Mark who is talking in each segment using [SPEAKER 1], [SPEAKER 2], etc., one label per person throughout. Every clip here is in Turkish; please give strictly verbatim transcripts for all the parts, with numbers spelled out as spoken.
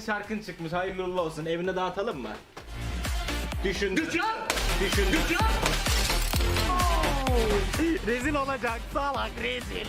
[SPEAKER 1] yeni şarkın çıkmış. Hayırlı uğurlu olsun. Evine dağıtalım mı? Düşündüm.
[SPEAKER 2] Güçlü!
[SPEAKER 1] Düşündüm.
[SPEAKER 2] Güçlü!
[SPEAKER 1] Rezil olacak. Salak rezil.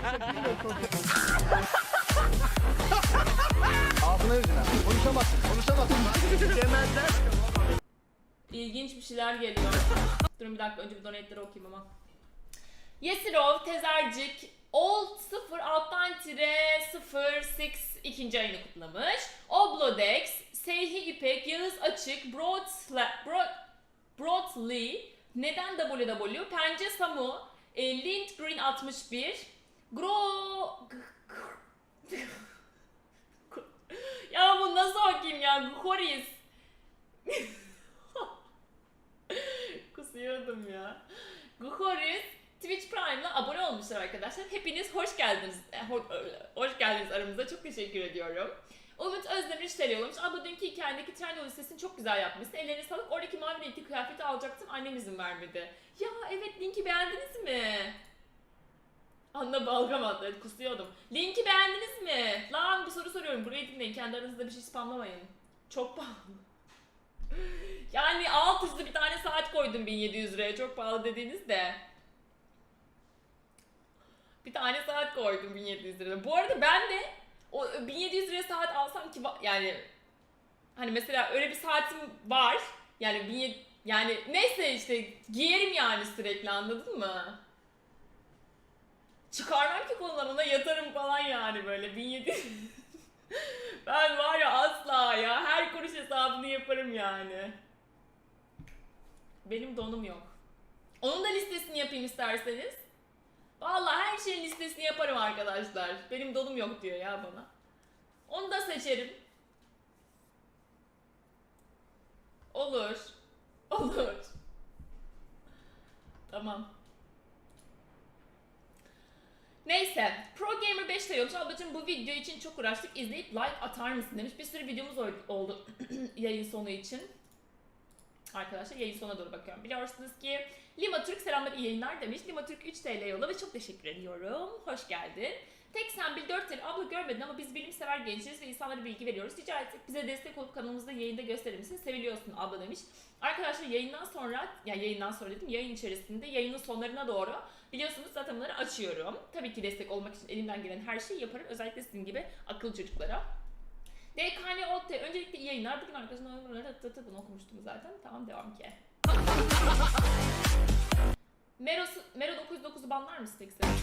[SPEAKER 2] Ağzına yüzüne. Konuşamazsın. Konuşamazsın.
[SPEAKER 1] Demezler.
[SPEAKER 3] İlginç bir şeyler geliyor. Durun bir dakika, önce bir donate'leri okuyayım ama. Yesirov, Tezercik, Old sıfır alttan tire sıfır altı ikinci ayını kutlamış. Oblodex, Seyhi İpek, Yağız Açık, Broadsla, Broad, Broadly, Neden W W, Pence Samu, e, Lindgreen altmış bir, Gro... Ya bu nasıl okuyayım ya? Horis. Kusuyordum ya. Guhoris Twitch Prime'la abone olmuşlar arkadaşlar. Hepiniz hoş geldiniz. Hoş geldiniz aramıza. Çok teşekkür ediyorum. Umut Özdemir işleri yollamış. Abla dünkü hikayendeki Trendyol listesini çok güzel yapmışsın. Ellerine sağlık. Oradaki mavi renkli kıyafeti alacaktım. Annem izin vermedi. Ya evet, linki beğendiniz mi? Anla balgam attı. Evet, kusuyordum. Linki beğendiniz mi? Lan bir soru soruyorum. Burayı dinleyin. Kendi aranızda bir şey spamlamayın. Çok pahalı. Yani alt üstü bir tane saat koydum bin yedi yüz liraya. Çok pahalı dediğiniz de. Bir tane saat koydum bin yedi yüz liraya. Bu arada ben de o bin yedi yüz liraya saat alsam ki yani hani mesela öyle bir saatim var. Yani bin yedi yüz, yani neyse işte giyerim yani sürekli, anladın mı? Çıkarmam ki konularına, yatarım falan yani böyle bin yedi yüz. Ben var ya asla ya her kuruş hesabını yaparım yani. Benim donum yok. Onun da listesini yapayım isterseniz. Vallahi her şeyin listesini yaparım arkadaşlar. Benim donum yok diyor ya bana. Onu da seçerim. Olur. Olur. Tamam. Neyse. Pro Gamer beş diyormuş. Ablacığım bu video için çok uğraştık. İzleyip like atar mısın demiş. Bir sürü videomuz oldu yayın sonu için. Arkadaşlar yayın sonuna doğru bakıyorum. Biliyorsunuz ki Lima Türk selamlar, iyi yayınlar demiş. Lima Türk üç TL yolla ve çok teşekkür ediyorum. Hoş geldin. Tek sen bil dört TL. Abla görmedin ama biz bilimsever gençleriz ve insanlara bilgi veriyoruz. Rica etsek bize destek olup kanalımızda yayında gösterir misin? Seviliyorsun abla demiş. Arkadaşlar yayından sonra, ya yani yayından sonra dedim, yayın içerisinde yayının sonlarına doğru biliyorsunuz zaten bunları açıyorum. Tabii ki destek olmak için elimden gelen her şeyi yaparım. Özellikle sizin gibi akıllı çocuklara. D K N O T, öncelikle iyi yayınlar. Bugün arkadaşlar bunu okumuştum zaten. Tamam, devam ki. Mero, Mero dokuz yüz dokuzu banlar mısın tek sen?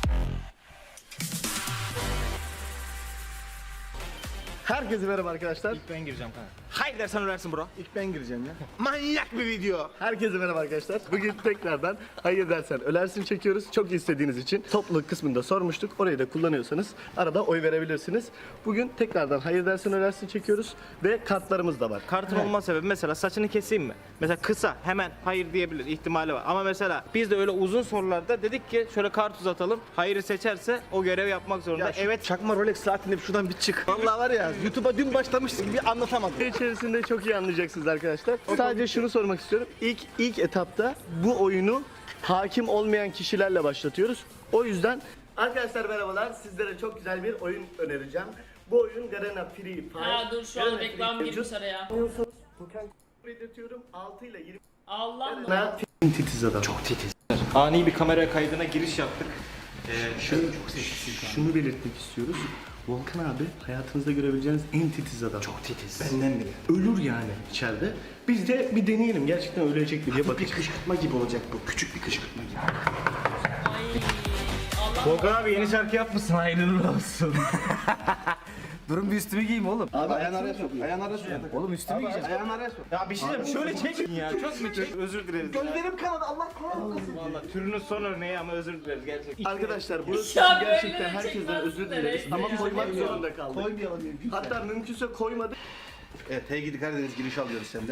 [SPEAKER 2] Herkese merhaba arkadaşlar.
[SPEAKER 1] İlk ben gireceğim kanka. Hayır dersen ölersin bro.
[SPEAKER 2] İlk ben gireceğim ya.
[SPEAKER 1] Manyak bir video.
[SPEAKER 2] Herkese merhaba arkadaşlar. Bugün tekrardan hayır dersen ölersin çekiyoruz. Çok istediğiniz için topluluk kısmında sormuştuk. Orayı da kullanıyorsanız arada oy verebilirsiniz. Bugün tekrardan hayır dersen ölersin çekiyoruz ve kartlarımız da var.
[SPEAKER 1] Kartın olma sebebi mesela saçını keseyim mi? Mesela kısa hemen hayır diyebilir ihtimali var. Ama mesela biz de öyle uzun sorularda dedik ki şöyle kart uzatalım. Hayırı seçerse o görevi yapmak zorunda.
[SPEAKER 2] Ya şu
[SPEAKER 1] Evet.
[SPEAKER 2] çakma Rolex saatinde şuradan bir çık. Vallahi var ya YouTube'a dün başlamıştık gibi anlatamadım. İçerisinde çok iyi anlayacaksınız arkadaşlar. Sadece şunu sormak istiyorum. İlk ilk etapta bu oyunu hakim olmayan kişilerle başlatıyoruz. O yüzden arkadaşlar merhabalar. Sizlere çok güzel bir oyun önereceğim. Bu oyun Garena Free Fire.
[SPEAKER 3] Ha dur, şu an
[SPEAKER 2] Garena
[SPEAKER 3] reklam
[SPEAKER 2] Free
[SPEAKER 3] girmiş
[SPEAKER 2] Fire.
[SPEAKER 3] araya.
[SPEAKER 2] Oynuyorsanız token belirtiyorum. altı ile yirmi.
[SPEAKER 3] Allah'ım.
[SPEAKER 2] Garena Free titiz adam.
[SPEAKER 1] Çok titiz. Ani bir kamera kaydına giriş yaptık. Ee,
[SPEAKER 2] Şunu, şunu belirtmek istiyoruz. Volkan abi hayatınızda görebileceğiniz en titiz adam.
[SPEAKER 1] Çok titiz.
[SPEAKER 2] Benden bile. Ölür yani içeride. Biz de bir deneyelim. Gerçekten ölecek mi diye
[SPEAKER 4] Bir
[SPEAKER 2] bakacağız.
[SPEAKER 4] kışkırtma gibi olacak bu. Küçük bir kışkırtma gibi.
[SPEAKER 3] Ay. Allah.
[SPEAKER 1] Volkan abi yeni şarkı yapmışsın, hayırlı olsun.
[SPEAKER 4] Durun bir üstümü giyeyim oğlum.
[SPEAKER 2] Abi ayağını araya sok.
[SPEAKER 4] Ayağını araya sok. Oğlum üstümü giyeceğim. Ayağını araya sok.
[SPEAKER 1] Ya bir şey diyeyim, şöyle çekin ya. Çok mu çek? Özür dileriz.
[SPEAKER 4] Gözlerim kanadı. Allah kahretsin.
[SPEAKER 1] Valla türünün son örneği ama özür dileriz gerçekten.
[SPEAKER 2] Arkadaşlar burası
[SPEAKER 3] Ya böyle
[SPEAKER 2] gerçekten
[SPEAKER 3] de
[SPEAKER 2] herkesten
[SPEAKER 3] çekmez
[SPEAKER 2] özür
[SPEAKER 3] de
[SPEAKER 2] dileriz.
[SPEAKER 3] reis
[SPEAKER 2] Ama
[SPEAKER 3] ya.
[SPEAKER 2] koymak zorunda kaldık.
[SPEAKER 4] Koymayalım mümkünse.
[SPEAKER 2] Hatta mümkünse koymadık.
[SPEAKER 4] Evet, Hey Gidi Karadeniz giriş alıyoruz senden.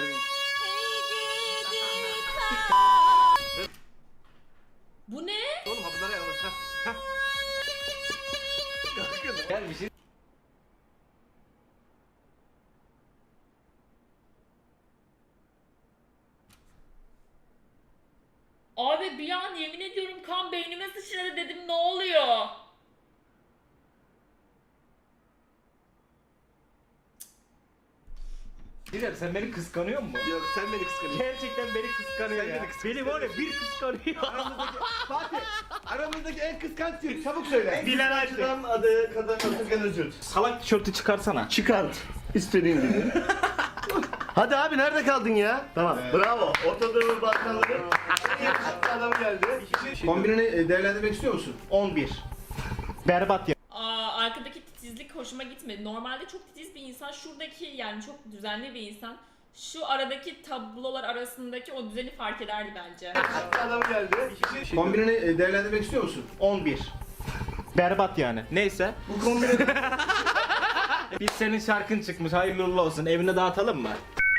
[SPEAKER 3] Bu ne?
[SPEAKER 4] Oğlum ha bunlara yavrum. Ha.
[SPEAKER 1] Gel bir şey.
[SPEAKER 3] Abi bir an yemin ediyorum kan beynime sıçradı, dedim ne oluyor?
[SPEAKER 1] Bilal sen beni kıskanıyor musun?
[SPEAKER 4] Yok sen beni kıskanıyorsun.
[SPEAKER 1] Gerçekten beni kıskanıyor
[SPEAKER 4] Sen
[SPEAKER 1] ya.
[SPEAKER 4] beni kıskanıyorsun.
[SPEAKER 1] Beni var ya bir kıskanıyor.
[SPEAKER 4] Aramızdaki Fatih. Aramızdaki en kıskanç kim? Çabuk söyle.
[SPEAKER 1] Bilal Ayşe.
[SPEAKER 2] Şuradan adı kadar Atakan Özürt.
[SPEAKER 1] Salak tişörtü çıkarsana.
[SPEAKER 2] Çıkart. İstediğin gibi. Hadi abi nerede kaldın ya? Tamam. Bravo. Orta Doğu Balkanları. En yakışıklı adam geldi.
[SPEAKER 4] Kombinini e, değerlendirmek istiyor musun?
[SPEAKER 2] on bir.
[SPEAKER 1] Berbat ya.
[SPEAKER 3] Aa, arkadaki titizlik hoşuma gitmedi. Normalde çok titiz bir insan. Şuradaki yani çok düzenli bir insan. Şu aradaki tablolar arasındaki o düzeni fark ederdi bence.
[SPEAKER 2] Adam geldi.
[SPEAKER 4] Kombinini e, değerlendirmek istiyor musun?
[SPEAKER 2] on bir.
[SPEAKER 1] Berbat yani. Neyse.
[SPEAKER 2] Bu kombine
[SPEAKER 1] Biz senin şarkın çıkmış. Hayırlı uğurlu olsun. Evine dağıtalım mı?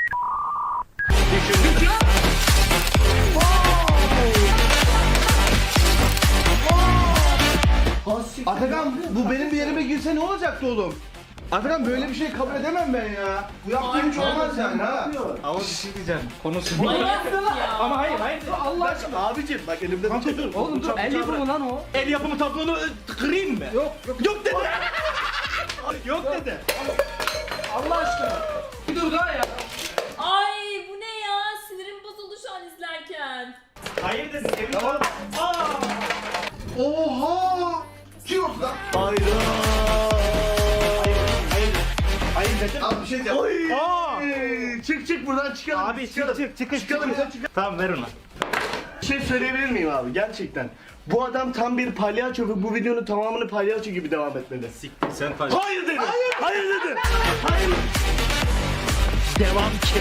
[SPEAKER 4] Atakan bu benim bir yerime girse ne olacaktı oğlum? Atakan böyle bir şey kabul edemem ben ya. Bu yaptığım hiç olmaz yani ha.
[SPEAKER 1] Ama bir şey diyeceğim. Konusu
[SPEAKER 3] Manyak ya.
[SPEAKER 1] Ama hayır hayır.
[SPEAKER 2] Allah aşkına. Abicim bak elimde bir dur.
[SPEAKER 1] Oğlum dur. El yapımı lan o. El yapımı tablonu e, kırayım mı? Yok yok. Yok dedi. Yok dedi.
[SPEAKER 2] Allah aşkına. Bir dur daha ya.
[SPEAKER 3] Ay bu ne ya? Sinirim bozuldu şu an izlerken.
[SPEAKER 1] Hayır dedi. Evine
[SPEAKER 4] Tamam.
[SPEAKER 1] Aa!
[SPEAKER 4] Oha! Kim oldu lan?
[SPEAKER 2] Hayda.
[SPEAKER 1] Hayır. Hayır dedim.
[SPEAKER 4] Abi bir şey diyeceğim.
[SPEAKER 1] Aa!
[SPEAKER 2] Çık çık buradan çıkalım.
[SPEAKER 1] Abi
[SPEAKER 2] çıkalım.
[SPEAKER 1] çık çık çıkın
[SPEAKER 2] Çıkalım
[SPEAKER 1] çıkın.
[SPEAKER 2] ya, çıkalım.
[SPEAKER 1] Tamam ver onu.
[SPEAKER 2] Bir şey söyleyebilir miyim abi gerçekten? Bu adam tam bir palyaço ve bu videonun tamamını palyaço gibi devam etmeli.
[SPEAKER 1] Siktir sen falan.
[SPEAKER 2] Hayır dedi. Hayır, hayır dedi. Hayır. Devam ki.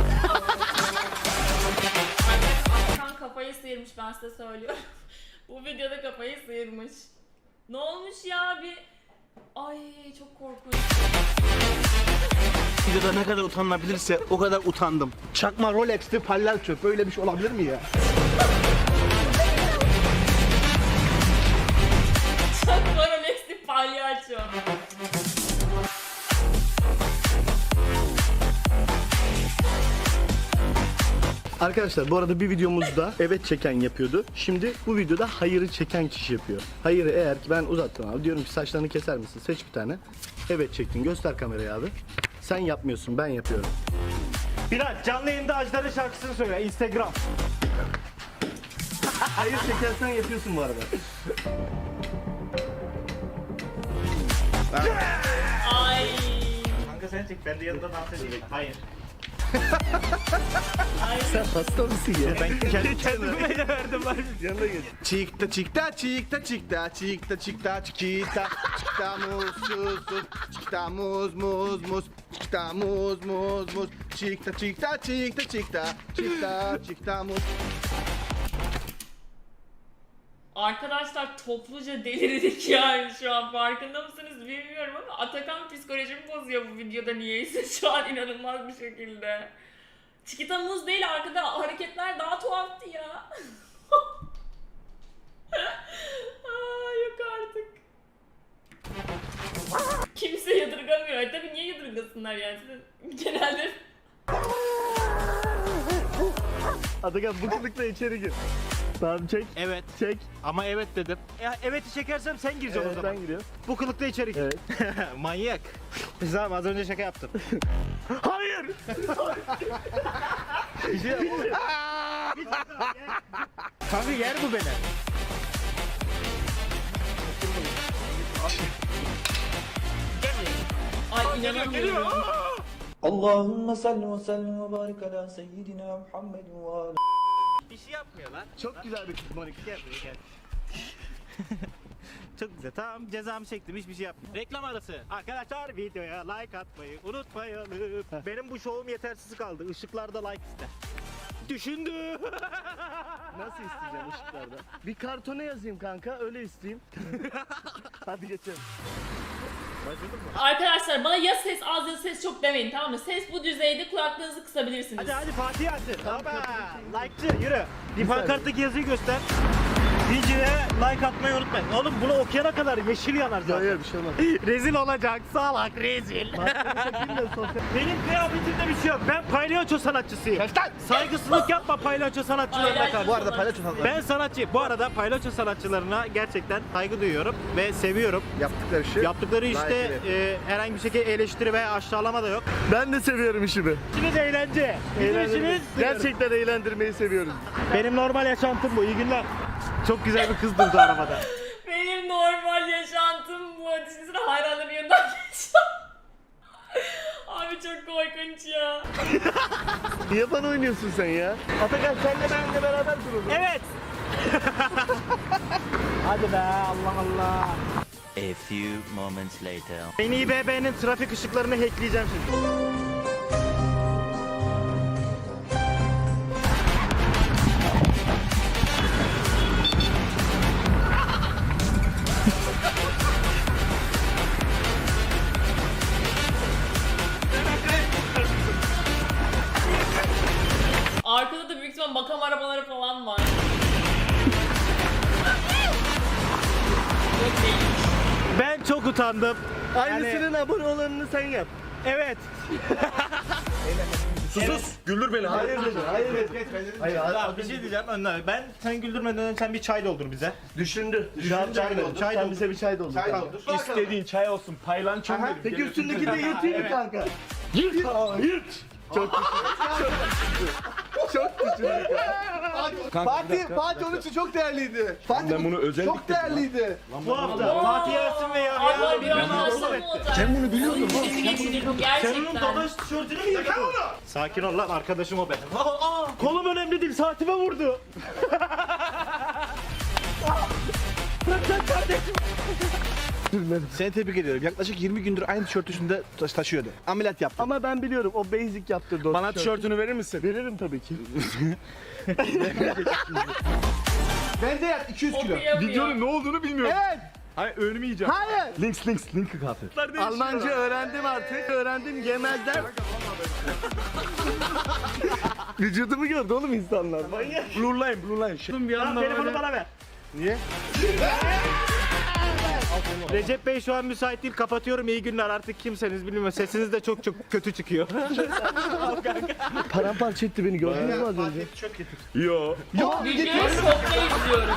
[SPEAKER 3] Hakan kafayı sıyırmış ben size söylüyorum. Bu videoda kafayı sıyırmış. Ne olmuş ya bir... Ay çok korkunç.
[SPEAKER 2] Videoda ne kadar utanılabilirse o kadar utandım. Çakma Rolex'ti palyaço. Böyle bir şey olabilir mi ya?
[SPEAKER 3] Çok Rolex'li palyaço.
[SPEAKER 2] Arkadaşlar bu arada bir videomuzda evet çeken yapıyordu. Şimdi bu videoda hayırı çeken kişi yapıyor. Hayırı eğer ki ben uzattım abi. Diyorum ki saçlarını keser misin? Seç bir tane. Evet çektin. Göster kamerayı abi. Sen yapmıyorsun. Ben yapıyorum.
[SPEAKER 1] Bilal canlı yayında Ajdar'ın şarkısını söyle. Instagram.
[SPEAKER 2] Hayır çekersen yapıyorsun bu arada.
[SPEAKER 3] Ay.
[SPEAKER 1] Kanka sen çek. Ben de yanında dans edeyim. Hayır.
[SPEAKER 3] Ay.
[SPEAKER 2] Sen hasta mısın ya?
[SPEAKER 1] Ben kendi kendime de verdim var.
[SPEAKER 2] Yanına gel.
[SPEAKER 4] Çikta çikta çikta çikta çikta çikta çikta çikta muz sus sus çikta muz muz muz çikta muz muz muz çikta çikta çikta çikta çikta çikta muz.
[SPEAKER 3] Arkadaşlar topluca delirdik yani şu an farkında mısınız bilmiyorum ama Atakan psikolojimi bozuyor bu videoda niyeyse şu an inanılmaz bir şekilde. Çikita muz değil arkada hareketler daha tuhaftı ya. Aa, yok artık. Kimse yadırgamıyor. E, tabii niye yadırgasınlar yani? Siz genelde
[SPEAKER 2] Atakan bu kılıkla içeri gir. Tamam çek.
[SPEAKER 1] Evet.
[SPEAKER 2] Çek.
[SPEAKER 1] Ama evet dedim. E, evet'i çekersem sen gireceksin
[SPEAKER 2] Evet,
[SPEAKER 1] o zaman.
[SPEAKER 2] ben giriyorum.
[SPEAKER 1] Bu kılıkta içeri gir.
[SPEAKER 2] Evet.
[SPEAKER 1] Manyak. Biz abi az önce şaka yaptım.
[SPEAKER 2] Hayır.
[SPEAKER 1] Bir şey Kanka yer bu beni.
[SPEAKER 3] ay inanamıyorum.
[SPEAKER 5] اللهم صل وسلم وبارك على سيدنا محمد وعلى
[SPEAKER 1] Bir şey yapmıyor lan.
[SPEAKER 2] Çok güzel bir kız Monika.
[SPEAKER 1] Gel buraya gel. Çok güzel. Tamam cezamı çektim. Hiçbir şey yapmıyorum. Reklam arası. Arkadaşlar videoya like atmayı unutmayalım. Benim bu şovum yetersiz kaldı. Işıklarda like iste. Düşündü.
[SPEAKER 2] Nasıl isteyeceğim ışıklarda? Bir kartona yazayım kanka öyle isteyeyim. Hadi geçelim.
[SPEAKER 3] Arkadaşlar bana ya ses az ya ses çok demeyin tamam mı? Ses bu düzeyde kulaklığınızı kısabilirsiniz.
[SPEAKER 1] Hadi hadi Fatih hadi.
[SPEAKER 2] Tamam,
[SPEAKER 1] Baba.
[SPEAKER 2] kapatın.
[SPEAKER 1] Like'cı yürü. Bir
[SPEAKER 2] Bir saniye.
[SPEAKER 1] pankarttaki yazıyı göster. Videoya like atmayı unutmayın. Oğlum bunu okuyana kadar yeşil yanar zaten.
[SPEAKER 2] Hayır bir şey olmaz.
[SPEAKER 1] Rezil olacak salak rezil. Benim kıyafetimde bir şey yok. Ben palyaço sanatçısıyım. Saygısızlık yapma palyaço sanatçılarına karşı.
[SPEAKER 4] Bu arada palyaço sanatları
[SPEAKER 1] Ben sanatçı. Bu arada palyaço sanatçılarına gerçekten saygı duyuyorum ve seviyorum.
[SPEAKER 4] yaptıkları şey.
[SPEAKER 1] Yaptıkları işte
[SPEAKER 4] layıkıyla.
[SPEAKER 1] e, herhangi bir şekilde eleştiri veya aşağılama da yok.
[SPEAKER 2] Ben de seviyorum işimi.
[SPEAKER 1] İşiniz eğlence. Bizim
[SPEAKER 2] Eğlendirmeyi-
[SPEAKER 1] işimiz
[SPEAKER 2] Gerçekten eğlendirmeyi seviyoruz.
[SPEAKER 1] benim normal yaşantım bu. İyi günler. Çok güzel bir kız durdu arabada.
[SPEAKER 3] Benim normal yaşantım bu. Düşünsene hayranların yanından geçiyor. Abi çok korkunç ya.
[SPEAKER 2] Niye bana oynuyorsun sen ya? Atakan senle benimle beraber duralım.
[SPEAKER 1] Evet. Hadi be Allah Allah.
[SPEAKER 6] A few moments later.
[SPEAKER 1] Ben İ B B'nin trafik ışıklarını hackleyeceğim şimdi.
[SPEAKER 3] Arkada da büyük ihtimal makam arabaları falan var. Yok değil.
[SPEAKER 1] Ben çok utandım.
[SPEAKER 2] Aynısının abone olanını sen yap.
[SPEAKER 1] Evet.
[SPEAKER 2] Sus. Güldür beni. Hayır dedi. Hayır dedi. Hayır,
[SPEAKER 1] Tamam, bir şey diyeceğim önden. Ben sen güldürmeden önce sen bir çay doldur bize.
[SPEAKER 2] Düşündü.
[SPEAKER 1] Düşündü,
[SPEAKER 2] Şu an
[SPEAKER 1] çay
[SPEAKER 2] çay
[SPEAKER 1] doldur,
[SPEAKER 2] doldur.
[SPEAKER 1] çay
[SPEAKER 2] Sen
[SPEAKER 1] doldur.
[SPEAKER 2] bize bir çay doldur.
[SPEAKER 4] Çay
[SPEAKER 2] kanka.
[SPEAKER 4] doldur.
[SPEAKER 7] İstediğin çay olsun, paylançom benim.
[SPEAKER 2] Peki üstündeki de yırtayım mı kanka? Yırt. Aa, yırt. Çok küçük. Çok küçük.
[SPEAKER 4] Fatih, Fatih onun için çok değerliydi. Fatih
[SPEAKER 7] Ben bunu özellikle-
[SPEAKER 4] çok değerliydi.
[SPEAKER 1] Bu hafta Fatih Yasin ve Yahya.
[SPEAKER 3] Abi bir an olsa ne olacak? Sen bunu biliyor musun? Sesi geçirdim
[SPEAKER 1] Sen onun
[SPEAKER 3] gerçekten.
[SPEAKER 1] dadaş tişörtünü mü yıkadın? Sakin ol lan arkadaşım o benim. Aa, aa, kolum önemli değil saatime vurdu.
[SPEAKER 4] Seni tebrik ediyorum. Yaklaşık yirmi gündür aynı tişört üstünde taş- taşıyordu. Ameliyat yaptı.
[SPEAKER 2] Ama ben biliyorum o basic yaptırdı o
[SPEAKER 7] Bana
[SPEAKER 2] tişörtü.
[SPEAKER 7] tişörtünü verir misin?
[SPEAKER 2] Veririm tabii ki.
[SPEAKER 4] Bence yat iki yüz kilo.
[SPEAKER 3] Okuyamıyor.
[SPEAKER 7] Videonun ne olduğunu bilmiyorum.
[SPEAKER 4] Evet.
[SPEAKER 7] Hayır önümü yiyeceğim.
[SPEAKER 4] Hayır.
[SPEAKER 7] Links links linki kahve.
[SPEAKER 2] Almanca öğrendim artık. Öğrendim yemezler. Vücudumu gördü oğlum insanlar.
[SPEAKER 7] Blue line blue line. Şey.
[SPEAKER 1] Bir anda telefonu bana ver.
[SPEAKER 2] Niye?
[SPEAKER 1] Recep Bey şu an müsait değil kapatıyorum iyi günler artık kimseniz bilmiyorum sesiniz de çok çok kötü çıkıyor.
[SPEAKER 2] Paramparça etti beni gördünüz mü az önce?
[SPEAKER 7] Yo.
[SPEAKER 3] Videoyu şokta izliyorum.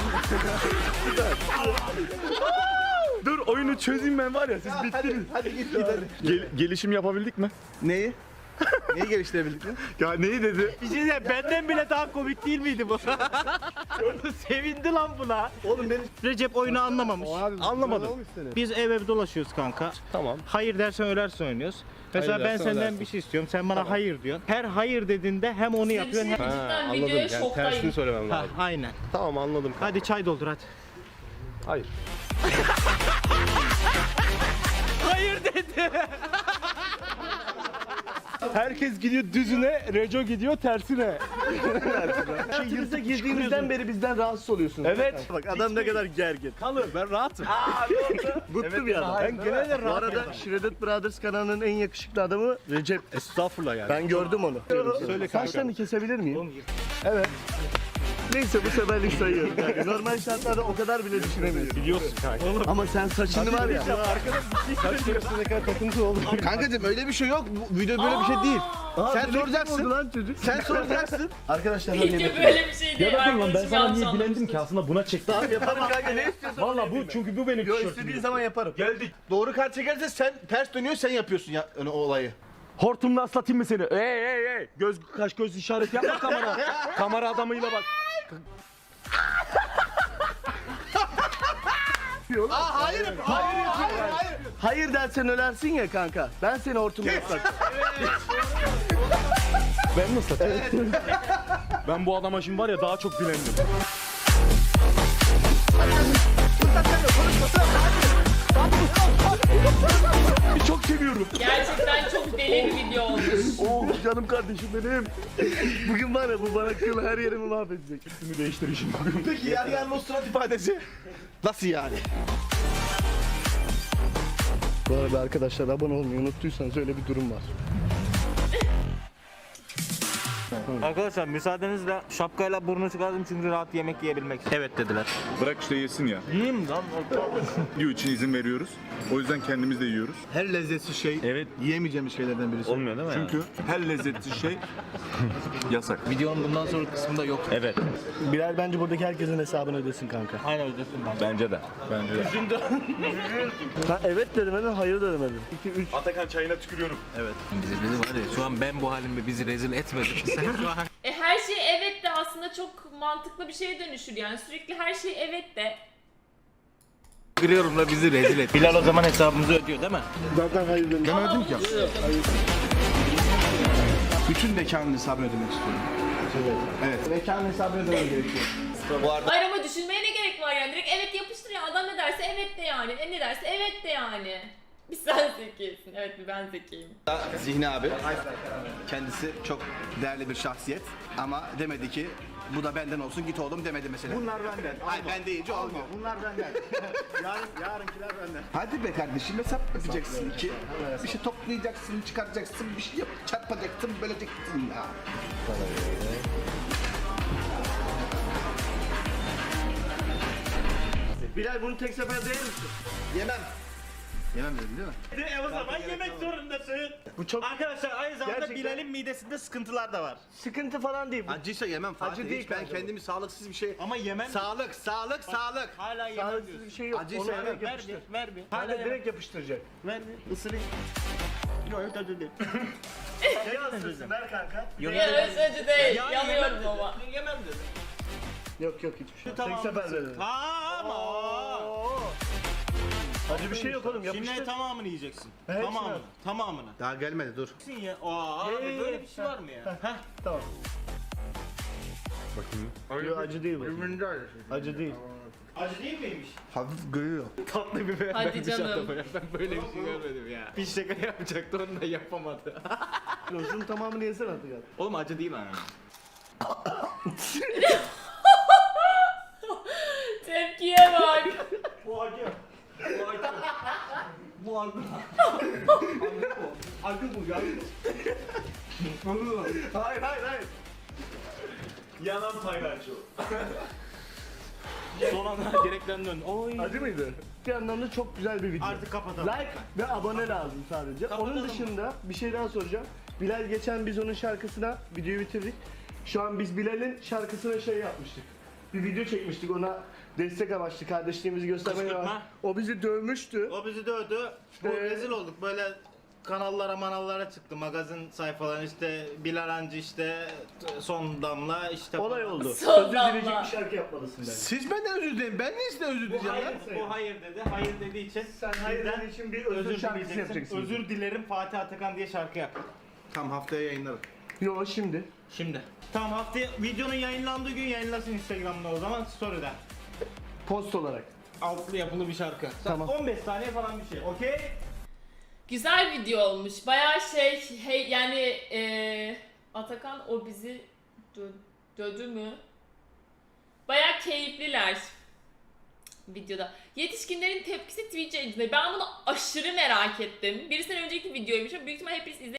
[SPEAKER 7] Dur oyunu çözeyim ben var ya siz bittiniz.
[SPEAKER 4] Hadi git git hadi.
[SPEAKER 7] Gel- gelişim yapabildik mi?
[SPEAKER 4] Neyi? Neyi geliştirebildik mi?
[SPEAKER 7] Ya neyi dedi?
[SPEAKER 1] Bir şey diyeyim, benden bile daha komik değil miydi bu? Sevindi lan buna.
[SPEAKER 2] Oğlum beni
[SPEAKER 1] Recep oyunu anlamamış.
[SPEAKER 7] Anlamadım.
[SPEAKER 1] Biz ev ev dolaşıyoruz kanka.
[SPEAKER 7] Tamam.
[SPEAKER 1] Hayır dersen ölersin oynuyoruz. Mesela
[SPEAKER 7] Hayır
[SPEAKER 1] ben
[SPEAKER 7] dersen
[SPEAKER 1] senden
[SPEAKER 7] ölersin.
[SPEAKER 1] bir şey istiyorum. Sen bana hayır diyorsun. Her hayır dediğinde hem onu
[SPEAKER 3] Size bir
[SPEAKER 1] yapıyorsun
[SPEAKER 3] şey
[SPEAKER 1] hem...
[SPEAKER 3] diyeyim, cidden
[SPEAKER 7] anladım.
[SPEAKER 3] videoya
[SPEAKER 7] Yani
[SPEAKER 3] şoktayım.
[SPEAKER 7] tersini söylemem
[SPEAKER 1] Ha,
[SPEAKER 7] lazım.
[SPEAKER 1] aynen.
[SPEAKER 7] Tamam anladım.
[SPEAKER 1] Hadi çay doldur hadi.
[SPEAKER 7] Hayır.
[SPEAKER 1] Hayır dedi.
[SPEAKER 7] Herkes gidiyor düzüne, Reco gidiyor tersine.
[SPEAKER 2] hayatınıza girdiğimizden beri bizden rahatsız oluyorsunuz.
[SPEAKER 7] Evet.
[SPEAKER 2] Bak adam ne kadar gergin.
[SPEAKER 7] Kalır ben rahatım.
[SPEAKER 2] Bıktı bir adam.
[SPEAKER 7] Ben gene de
[SPEAKER 2] Bu
[SPEAKER 7] rahatım.
[SPEAKER 2] arada Shredded Brothers kanalının en yakışıklı adamı Recep.
[SPEAKER 7] Estağfurullah yani.
[SPEAKER 2] Ben gördüm onu.
[SPEAKER 7] Söyle kanka.
[SPEAKER 2] Saçlarını kesebilir miyim? Evet. Neyse bu seferlik sayıyorum. Yani normal şartlarda o kadar bile düşünemiyorum.
[SPEAKER 7] Biliyorsun kanka.
[SPEAKER 2] Ama sen saçını var ya.
[SPEAKER 7] Saç keresine ne kadar takıntı oldu.
[SPEAKER 4] Kankacığım öyle bir şey yok. Bu video böyle bir şey değil.
[SPEAKER 2] Aa,
[SPEAKER 4] Sen
[SPEAKER 2] bileklik
[SPEAKER 4] soracaksın.
[SPEAKER 2] oldu lan çocuk.
[SPEAKER 4] Sen soracaksın.
[SPEAKER 2] Arkadaşlar hadi
[SPEAKER 3] Video
[SPEAKER 2] yemek
[SPEAKER 3] böyle bir şey değil.
[SPEAKER 7] Ya bakın lan ben
[SPEAKER 3] Arkadaşım
[SPEAKER 7] sana
[SPEAKER 3] yanlış
[SPEAKER 7] niye
[SPEAKER 3] anlamıştır.
[SPEAKER 7] bilendim ki aslında buna çektim.
[SPEAKER 2] yaparım kanka ne istiyorsan.
[SPEAKER 7] Valla bu çünkü bu benim
[SPEAKER 2] Yo
[SPEAKER 7] tişörtüm.
[SPEAKER 2] istediğin zaman yaparım.
[SPEAKER 7] Geldik.
[SPEAKER 4] Doğru kart çekerse sen ters dönüyor sen yapıyorsun ya o olayı.
[SPEAKER 7] Hortumla ıslatayım mı seni? Ey ey ey. Göz kaş göz işaret yapma kamera. Kamera adamıyla bak.
[SPEAKER 4] Aa hayır. Hayır hayır hayır.
[SPEAKER 2] Hayır dersen ölersin ya kanka. Ben seni hortumla ıslatacağım.
[SPEAKER 7] Ben mi ıslatayım? Ben bu adama şimdi var ya daha çok bilendim. Çok seviyorum.
[SPEAKER 3] Gerçekten çok deli bir video olmuş.
[SPEAKER 2] Oh canım kardeşim benim. Bugün var ya bu bana kıl her yerimi mahvedecek.
[SPEAKER 7] Üstümü değiştir şimdi bugün.
[SPEAKER 4] Peki yer yer o surat ifadesi. Nasıl yani?
[SPEAKER 2] Bu arada arkadaşlar abone olmayı unuttuysanız öyle bir durum var.
[SPEAKER 1] Arkadaşlar müsaadenizle şapkayla burnu çıkardım çünkü rahat yemek yiyebilmek için. Evet dediler.
[SPEAKER 8] Bırak işte yesin ya.
[SPEAKER 1] Yiyeyim lan.
[SPEAKER 8] Video için izin veriyoruz. O yüzden kendimiz de yiyoruz.
[SPEAKER 4] Her lezzetli şey
[SPEAKER 7] Evet.
[SPEAKER 4] yiyemeyeceğimiz şeylerden birisi.
[SPEAKER 7] Olmuyor değil mi?
[SPEAKER 8] Çünkü her lezzetli şey yasak.
[SPEAKER 1] Videonun bundan sonra kısmında yok.
[SPEAKER 7] Evet.
[SPEAKER 2] Bilal bence buradaki herkesin hesabını ödesin kanka.
[SPEAKER 1] Aynen ödesin ben.
[SPEAKER 7] Bence de. Bence de.
[SPEAKER 2] Ha evet dedim dedim, hayır dedim dedim. iki üç.
[SPEAKER 7] Atakan çayına tükürüyorum.
[SPEAKER 1] Bizi, bizi var ya şu an ben bu halimle bizi rezil etmedim. Sen şu an
[SPEAKER 3] E her şey evet de aslında çok mantıklı bir şeye dönüşür yani. Sürekli her şey evet de.
[SPEAKER 1] kırıyorum da bizi rezil et. Bilal o zaman hesabımızı ödüyor değil mi?
[SPEAKER 2] Zaten hayır dedim.
[SPEAKER 4] Demedim ki. Bütün mekanın hesabını ödemek istiyorum.
[SPEAKER 2] Evet. Mekan hesabını ödemen gerekiyor.
[SPEAKER 3] Hayır ama düşünmeye ne gerek var yani? Direkt evet yapıştır ya. Adam ne derse evet de yani. E ne derse evet de yani. Bir sen zekisin. Evet bir ben zekiyim.
[SPEAKER 4] Zihni abi. Kendisi çok değerli bir şahsiyet. Ama demedi ki bu da benden olsun git oğlum demedi mesela.
[SPEAKER 2] Bunlar benden.
[SPEAKER 4] Hayır ben deyince olmuyor.
[SPEAKER 2] Bunlar benden. Yarın, yarınkiler benden.
[SPEAKER 4] Hadi be kardeşim hesap yapacaksın ki. Bir şey toplayacaksın, çıkaracaksın, bir şey yap, çarpacaksın, böleceksin ya.
[SPEAKER 2] Bilal bunu tek seferde yer misin?
[SPEAKER 4] Yemem. Yemem dedim değil mi?
[SPEAKER 1] E o zaman yemek zorundasın.
[SPEAKER 2] Bu çok
[SPEAKER 1] Arkadaşlar aynı zamanda
[SPEAKER 2] Gerçekten-
[SPEAKER 1] Bilal'in midesinde sıkıntılar da var.
[SPEAKER 2] sıkıntı falan değil. Bu
[SPEAKER 4] Acıysa yemem Fatih.
[SPEAKER 2] Acı değil
[SPEAKER 4] Hiç ben
[SPEAKER 2] kanka bu.
[SPEAKER 4] kendimi sağlıksız bir şey...
[SPEAKER 1] Ama yemem.
[SPEAKER 4] Sağlık, sağlık, sağlık.
[SPEAKER 1] Hala yemem
[SPEAKER 2] sağlıksız
[SPEAKER 1] diyorsun.
[SPEAKER 2] bir şey yok.
[SPEAKER 4] Acıysa
[SPEAKER 2] Onu
[SPEAKER 4] yemem.
[SPEAKER 2] direkt
[SPEAKER 1] Ver
[SPEAKER 2] yapıştır.
[SPEAKER 1] bir, ver bir.
[SPEAKER 2] Hala
[SPEAKER 1] Hala
[SPEAKER 2] direkt
[SPEAKER 1] direkt
[SPEAKER 2] yapıştıracak.
[SPEAKER 1] ver bir, ısırayım. Yok yok acı değil.
[SPEAKER 2] Ne yansırsın ver kanka.
[SPEAKER 1] Yok
[SPEAKER 3] Ya öyle acı değil.
[SPEAKER 1] Ya
[SPEAKER 3] Yanıyorum
[SPEAKER 1] yemem
[SPEAKER 3] ama.
[SPEAKER 1] dedi, Yemem dedi.
[SPEAKER 2] Yok yok hiçbir şey.
[SPEAKER 1] Tamam.
[SPEAKER 2] Tek seferde dedim.
[SPEAKER 1] Tamam.
[SPEAKER 2] Acı bir şey yok oğlum
[SPEAKER 1] Şimdi
[SPEAKER 2] yapıştır.
[SPEAKER 1] tamamını yiyeceksin.
[SPEAKER 2] Hepsini
[SPEAKER 1] Tamamını.
[SPEAKER 2] al.
[SPEAKER 1] Tamamını.
[SPEAKER 4] Daha gelmedi dur.
[SPEAKER 1] Yiyeceksin ya. Aa abi
[SPEAKER 2] Ye,
[SPEAKER 1] böyle
[SPEAKER 2] ye,
[SPEAKER 1] bir şey var mı ya? Heh.
[SPEAKER 2] Tamam. Yok acı değil bu. Acı değil.
[SPEAKER 1] Acı değil miymiş?
[SPEAKER 4] Hafif görüyor.
[SPEAKER 1] Tatlı biber
[SPEAKER 3] Hadi
[SPEAKER 1] vermiş
[SPEAKER 3] canım.
[SPEAKER 1] adama ya. Ben böyle bir şey görmedim ya. Bir şaka yapacaktı onu da yapamadı.
[SPEAKER 2] Yok şunun tamamını yesene artık ya.
[SPEAKER 1] Oğlum acı değil ha.
[SPEAKER 3] Tepkiye bak.
[SPEAKER 1] Bu acı. Bu acı. Bu acı.
[SPEAKER 2] Acı bu acı. Hayır hayır hayır.
[SPEAKER 7] Yanan paylaşıyor.
[SPEAKER 1] Son anda direkten dön. Oy.
[SPEAKER 2] Acı mıydı? Bir yandan da çok güzel bir video.
[SPEAKER 1] Artık kapatalım.
[SPEAKER 2] Like ve abone lazım sadece.
[SPEAKER 1] Kapatalım.
[SPEAKER 2] Onun dışında bir şey daha soracağım. Bilal geçen biz onun şarkısına videoyu bitirdik. Şu an biz Bilal'in şarkısına şey yapmıştık. Bir video çekmiştik ona destek amaçlı kardeşliğimizi göstermeye
[SPEAKER 1] Kışkırtma.
[SPEAKER 2] var. O bizi dövmüştü.
[SPEAKER 1] O bizi dövdü. Bu
[SPEAKER 2] Ee,
[SPEAKER 1] rezil olduk. Böyle kanallara manallara çıktı. Magazin sayfaları işte Bilal Hancı işte son damla işte
[SPEAKER 2] Olay
[SPEAKER 1] falan.
[SPEAKER 2] oldu.
[SPEAKER 3] Son
[SPEAKER 2] Özür
[SPEAKER 3] damla.
[SPEAKER 2] dileyecek bir şarkı yapmalısın bence.
[SPEAKER 4] Siz benden özür dileyin. Ben niye sizden özür
[SPEAKER 1] Bu
[SPEAKER 4] dileyeceğim
[SPEAKER 1] hayır,
[SPEAKER 4] ya?
[SPEAKER 1] bu hayır dedi. Hayır dediği için
[SPEAKER 2] Sen hayır
[SPEAKER 1] bizden
[SPEAKER 2] dediğin için bir özür şarkısı
[SPEAKER 1] dileyeceksin.
[SPEAKER 2] yapacaksın.
[SPEAKER 1] Özür dilerim Fatih Atakan diye şarkı yap.
[SPEAKER 4] Tam haftaya yayınlarım.
[SPEAKER 2] Yo şimdi.
[SPEAKER 1] Şimdi. Tamam haftaya videonun yayınlandığı gün yayınlasın Instagram'da o zaman story'den.
[SPEAKER 2] Post olarak.
[SPEAKER 1] Altlı yapılı bir şarkı.
[SPEAKER 2] Tamam.
[SPEAKER 1] on beş saniye falan bir şey. Okey?
[SPEAKER 3] Güzel video olmuş. Bayağı şey hey, yani eee Atakan o bizi dö- dödü mü? Bayağı keyifliler videoda. Yetişkinlerin tepkisi Twitch yayıncıları. Ben bunu aşırı merak ettim. Bir sene önceki videoymuş ama büyük ihtimal hepiniz izle